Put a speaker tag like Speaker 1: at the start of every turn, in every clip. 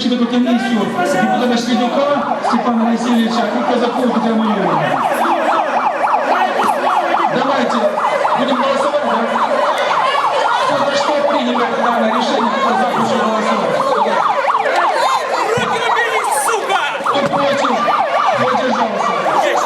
Speaker 1: заключить эту комиссию депутата Шведюка Степана Васильевича и казаков Петра Майорова. Давайте будем голосовать, да? Кто за что принято данное решение, кто за, прошу голосовать.
Speaker 2: Руки убери, сука!
Speaker 1: Кто против, кто держался.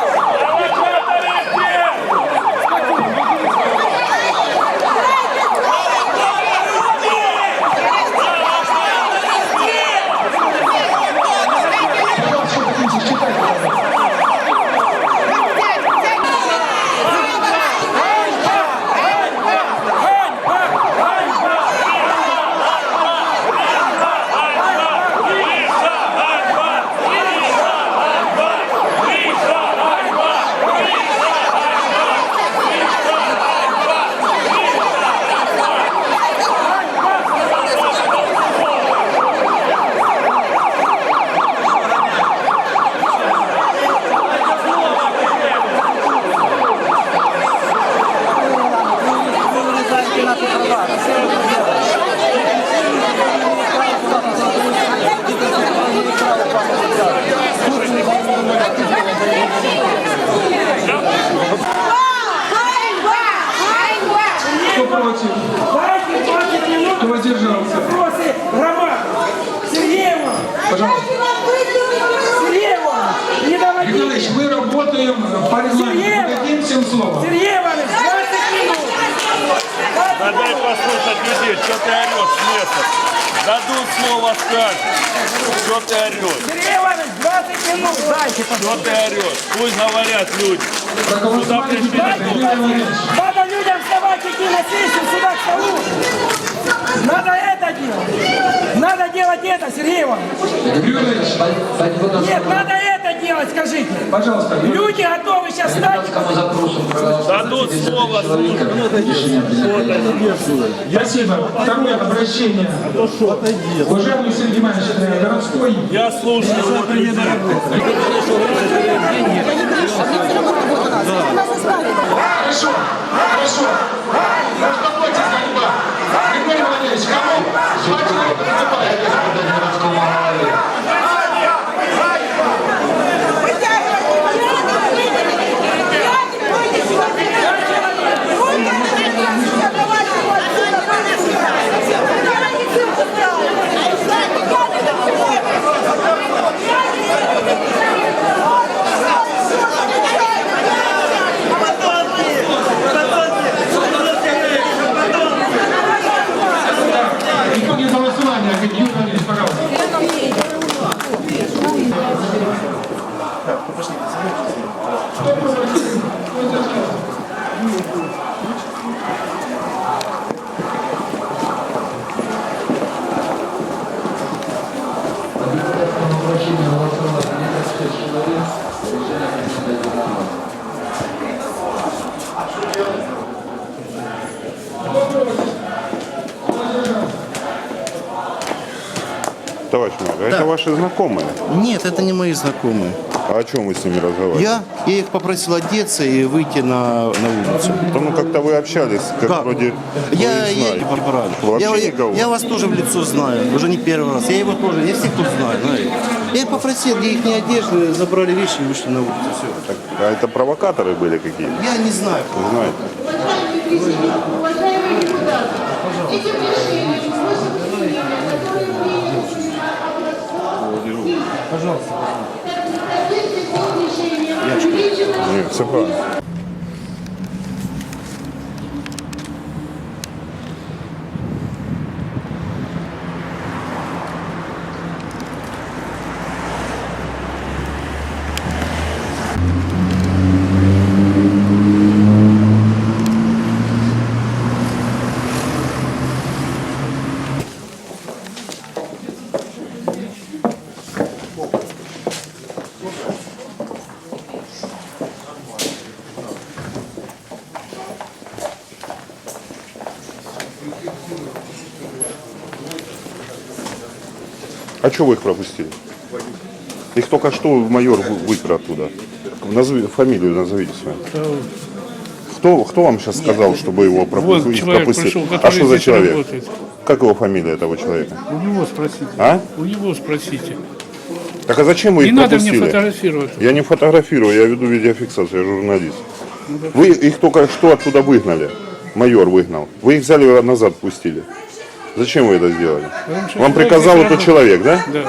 Speaker 1: Кто против? Кто воздержался?
Speaker 3: Сергеева!
Speaker 1: Пожалуйста.
Speaker 3: Сергеева! Не доводи!
Speaker 1: Николаевич, мы работаем по регламенту. Дадим всем слово.
Speaker 3: Сергеева, 20 минут!
Speaker 2: Да дай послушать людей, что ты орешь с места. Дадут слово, скажешь. Что ты орешь?
Speaker 3: Сергеева, 20 минут! Дайте,
Speaker 2: Что ты орешь? Пусть говорят люди. Куда пришли?
Speaker 3: Надо людям вставать, идти на сессию, сюда к столу! Надо это делать! Надо делать это, Сергеева! Нет, надо это делать, скажите!
Speaker 1: Пожалуйста.
Speaker 3: Люди готовы сейчас стать!
Speaker 2: Дадут слово, слушай.
Speaker 1: Спасибо. Второе обращение. Уважаемый Сергей Иванович, городской.
Speaker 2: Я слушаю.
Speaker 1: Хорошо, хорошо. Успокойтесь, ганьба. Григорий Владимирович, кому? Хватит выступать. Итоги голосования, Юрий Владимирович, пожалуйста.
Speaker 4: Товарищ мэр, это ваши знакомые?
Speaker 5: Нет, это не мои знакомые.
Speaker 4: А о чем вы с ними разговаривали?
Speaker 5: Я их попросил одеться и выйти на улицу.
Speaker 4: Да ну как-то вы общались, как вроде
Speaker 5: Я
Speaker 4: вы их
Speaker 5: не
Speaker 4: знаете.
Speaker 5: побрали.
Speaker 4: Вообще никого?
Speaker 5: Я вас тоже в лицо знаю, уже не первый раз. Я его тоже, я всех тут знаю, знаете. Я их попросил, где их не одежды, забрали вещи и вышли на улицу. Все.
Speaker 4: Так, а это провокаторы были какие-то?
Speaker 5: Я не знаю.
Speaker 4: Вы знаете?
Speaker 6: Уважаемые депутаты, этим решением
Speaker 5: Пожалуйста.
Speaker 4: Нет, все правильно. А что вы их пропустили? Их только что майор выпер оттуда. Фамилию назовите свою. Кто вам сейчас сказал, чтобы его
Speaker 7: Вот человек
Speaker 4: пропустили?
Speaker 7: пришел,
Speaker 4: А
Speaker 7: который
Speaker 4: что за
Speaker 7: здесь
Speaker 4: человек?
Speaker 7: работает.
Speaker 4: Как его фамилия этого человека?
Speaker 7: У него спросите.
Speaker 4: А?
Speaker 7: У него спросите.
Speaker 4: Так а зачем вы
Speaker 7: Не
Speaker 4: их
Speaker 7: надо
Speaker 4: пропустили?
Speaker 7: мне фотографировать.
Speaker 4: Я не фотографирую, я веду видеофиксацию, я журналист. Вы их только что оттуда выгнали. Майор выгнал. Вы их взяли назад, пустили. Зачем вы это сделали?
Speaker 7: что
Speaker 4: Вам
Speaker 7: человек
Speaker 4: приказал
Speaker 7: не
Speaker 4: этот
Speaker 7: работает.
Speaker 4: человек, да?
Speaker 7: Да.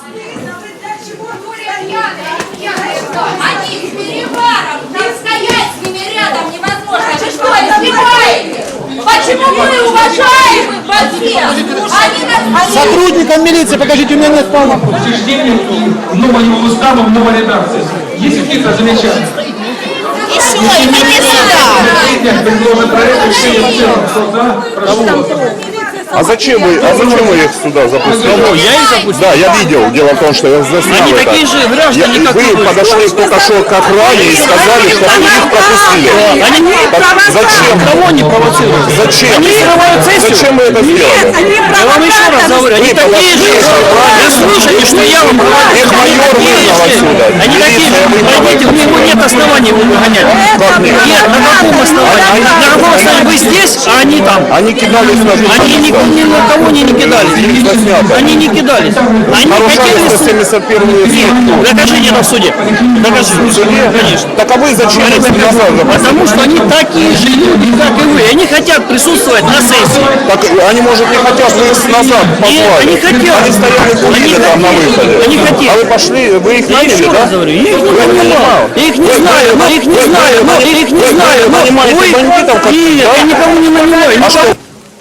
Speaker 8: Они с переваром, там стоять с ними рядом невозможно. Вы что, издеваетесь? Почему мы уважаемы во всех?
Speaker 3: Сотрудникам милиции покажите, у меня нет полного.
Speaker 1: Учреждением и нового устава в новой редакции. Есть какие-то замечания?
Speaker 8: Еще, иди сюда.
Speaker 1: Предложен проект решения в целом. Кто за? Прошу.
Speaker 4: А зачем вы их сюда запустили?
Speaker 9: Я их запустил?
Speaker 4: Да, я видел. Дело в том, что я заснял
Speaker 9: Они
Speaker 4: это.
Speaker 9: такие же граждане, как и
Speaker 4: Вы
Speaker 9: вы.
Speaker 4: подошли только что к охране и сказали, что вы их пропустили.
Speaker 9: Они
Speaker 4: Так зачем?
Speaker 9: никого не провоцируют.
Speaker 4: Зачем?
Speaker 9: Они срывают сессию.
Speaker 4: Зачем вы это сделали?
Speaker 9: Я вам еще раз говорю, они
Speaker 4: Вы
Speaker 9: такие же.
Speaker 4: подошли
Speaker 9: Вы слушайте, что я вам говорю.
Speaker 4: Их майор выгнал отсюда.
Speaker 9: Они такие же.
Speaker 4: Милиция выгнала
Speaker 9: Пойдите, у него нет оснований его выгонять.
Speaker 4: Как нет?
Speaker 9: Нет, на каком основании? На каком основании? Вы здесь, а они там.
Speaker 4: Они кидались на
Speaker 9: Они ни на кого не кидались. Они не кидались. Они
Speaker 4: нарушали
Speaker 9: хотели...
Speaker 4: 171-ю статью.
Speaker 9: Докажите это в суде. Докажите. Конечно.
Speaker 4: Так а вы зачем их назад запустили?
Speaker 9: Потому что они такие же люди, как и вы. Они хотят присутствовать на сессии.
Speaker 4: Так они, может, не хотят, вы их назад позвали.
Speaker 9: они хотят.
Speaker 4: Они стояли курили
Speaker 9: Они
Speaker 4: там на
Speaker 9: хотят.
Speaker 4: выходе.
Speaker 9: Они хотят.
Speaker 4: А вы пошли, вы их
Speaker 9: Я
Speaker 4: наняли,
Speaker 9: еще
Speaker 4: да?
Speaker 9: раз говорю, я их не
Speaker 4: Вы
Speaker 9: нанимал. Я их не знаю, но их не знаю, но их не знаю.
Speaker 4: Вы
Speaker 9: но
Speaker 4: нанимаете
Speaker 9: вы-
Speaker 4: бандитов, как-
Speaker 9: Нет,
Speaker 4: да?
Speaker 9: я никого не нанимаю.
Speaker 4: А что?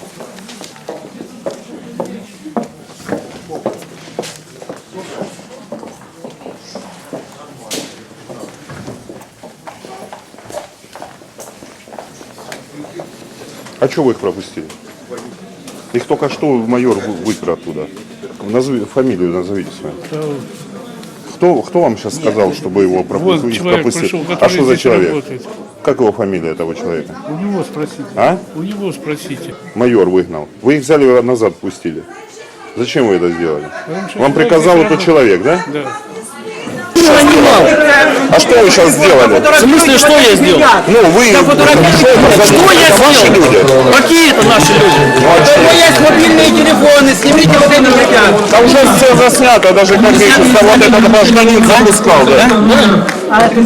Speaker 4: А что вы их пропустили? Их только что майор выпер оттуда. Фамилию назовите свою. Кто вам сейчас сказал, чтобы его
Speaker 7: Вот человек пришел,
Speaker 4: А
Speaker 7: который
Speaker 4: что за
Speaker 7: здесь
Speaker 4: человек?
Speaker 7: работает.
Speaker 4: Как его фамилия этого человека?
Speaker 7: У него спросите.
Speaker 4: А?
Speaker 7: У него спросите.
Speaker 4: Майор выгнал. Вы их взяли назад, пустили. Зачем вы это сделали?
Speaker 7: что
Speaker 4: Вам
Speaker 7: человек
Speaker 4: приказал
Speaker 7: не
Speaker 4: этот
Speaker 7: работает.
Speaker 4: человек, да?
Speaker 7: Да.
Speaker 4: А что вы сейчас сделали?
Speaker 9: В смысле, что я сделал?
Speaker 4: Ну, вы...
Speaker 9: Что я
Speaker 4: Это ваши
Speaker 9: сделал?
Speaker 4: люди.
Speaker 9: Какие это наши люди?
Speaker 4: Ну, а что?
Speaker 3: Есть мобильные телефоны, снимите вот это видео.
Speaker 4: Да уже все заснято, даже как видите, что вот этот гражданин запускал, да? Да это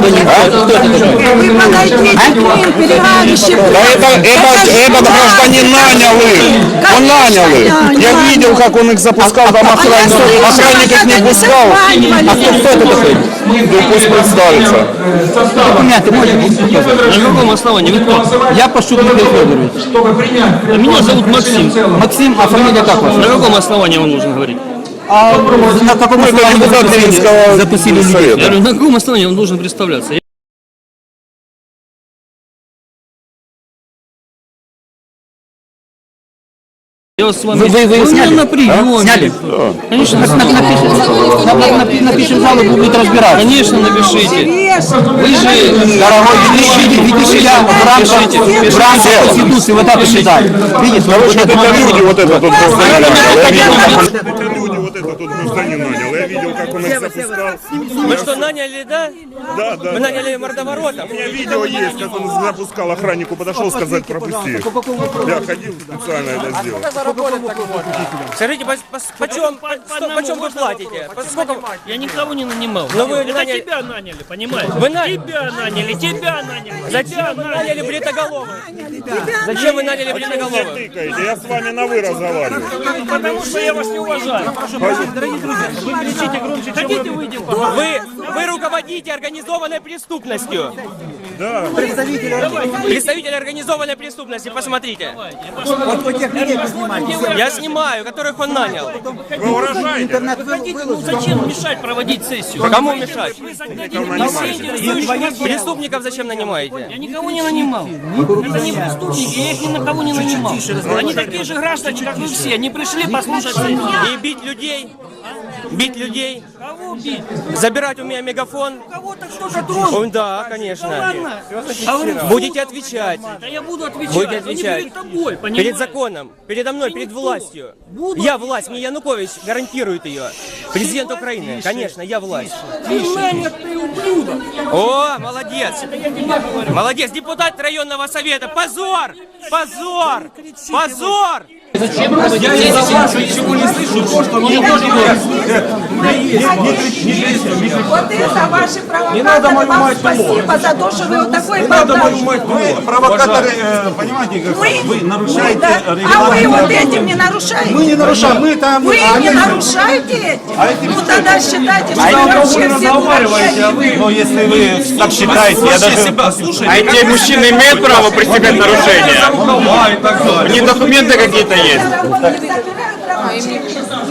Speaker 4: этот гражданин нанял их. Он нанял их. Я видел, как он их запускал, там охранник их не пускал.
Speaker 9: А кто это такой?
Speaker 4: Ну пусть представится.
Speaker 9: Документы можете показать? На каком основании? Вы кто?
Speaker 3: Я Пашут Игорь Федорович.
Speaker 1: Чтобы принять.
Speaker 9: А меня зовут Максим.
Speaker 3: Максим, а фамилия как у вас?
Speaker 9: На каком основании вам нужно говорить?
Speaker 3: А на каком основании вы
Speaker 4: Депутат Ленинского
Speaker 3: запустили людей?
Speaker 9: Я
Speaker 4: совета.
Speaker 9: говорю, на каком основании он должен представляться? Я вас с вами...
Speaker 3: Вы
Speaker 9: меня
Speaker 3: сняли?
Speaker 9: на приеме.
Speaker 3: Сняли?
Speaker 9: Конечно,
Speaker 3: Напишем жалобу, будет разбираться.
Speaker 9: Конечно, напишите. Вы же...
Speaker 3: Дорогой, видите, я в рамках Конституции вот это считаю. Видите,
Speaker 4: Короче, вот это люди, вот этот тут гражданин нанял. Я видел, как он...
Speaker 9: Это
Speaker 4: люди, вот этот тут гражданин нанял. Я видел, как он их запускал.
Speaker 10: Вы что, наняли, да?
Speaker 4: Да, да.
Speaker 10: Вы наняли мордоворотов?
Speaker 4: У меня видео есть, как он запускал, охраннику подошел сказать пропусти. Я ходил специально это сделал.
Speaker 10: Скажите, почем вы платите? Сколько...
Speaker 9: Я никого не нанимал.
Speaker 10: Но вы
Speaker 9: Это
Speaker 10: наняли-
Speaker 9: тебя наняли, понимаете?
Speaker 10: Вы наняли?
Speaker 9: Тебя наняли.
Speaker 10: Зачем вы наняли бритоголовых? Зачем вы наняли бритоголовых?
Speaker 4: Тыкаете, я с вами на вы разговариваю.
Speaker 9: Потому что я вас не уважаю. Дорогие друзья, вы кричите громче, чем хотите, выйдем.
Speaker 10: Вы руководите организованной преступностью.
Speaker 4: Да.
Speaker 10: Представитель организованной преступности, посмотрите. Я снимаю, которых он нанял.
Speaker 4: Вы угрожаете?
Speaker 9: Ну зачем мешать проводить сессию?
Speaker 10: Кому мешать?
Speaker 9: Вы загнали интересующих.
Speaker 10: Преступников зачем нанимаете?
Speaker 9: Я никого не нанимал. Это не преступники, я их ни на кого не нанимал. Они такие же граждане, как вы все. Они пришли послушать сессию.
Speaker 10: И бить людей? Бить людей?
Speaker 9: Кого бить?
Speaker 10: Забирать у меня мегафон?
Speaker 9: Кого-то кто-то тронул.
Speaker 10: Да, конечно.
Speaker 9: Ладно. А вы-
Speaker 10: Будете отвечать.
Speaker 9: Да я буду отвечать.
Speaker 10: Будете
Speaker 9: но не
Speaker 10: отвечать.
Speaker 9: перед тобой, понимаешь?
Speaker 10: Перед законом, передо мной, перед
Speaker 9: никто.
Speaker 10: властью.
Speaker 9: Буду
Speaker 10: Я власть, мне Янукович гарантирует ее. Президент Украины, конечно, я власть.
Speaker 9: Ты нанят, ты ублюдок.
Speaker 10: О, молодец! Молодец, депутат районного совета. Позор! Позор! Позор!
Speaker 9: Зачем вы дети, если ничего не слышу, что мне тоже
Speaker 6: Вот это ваши провокаторы. Вам спасибо за то, что вы вот такой бардак.
Speaker 11: Провокаторы, понимаете, как вы нарушаете
Speaker 6: А вы вот этим не нарушаете?
Speaker 11: Мы не нарушаем, мы там...
Speaker 6: Вы не нарушаете этим? Ну тогда считайте, что
Speaker 11: А
Speaker 6: вы
Speaker 11: это
Speaker 6: вообще
Speaker 11: вы
Speaker 6: все
Speaker 11: разговариваете, а вы... Ну, если вы так считаете, я даже...
Speaker 2: А эти мужчины имеют право пресекать нарушения? У них документы какие-то есть?
Speaker 6: дураки.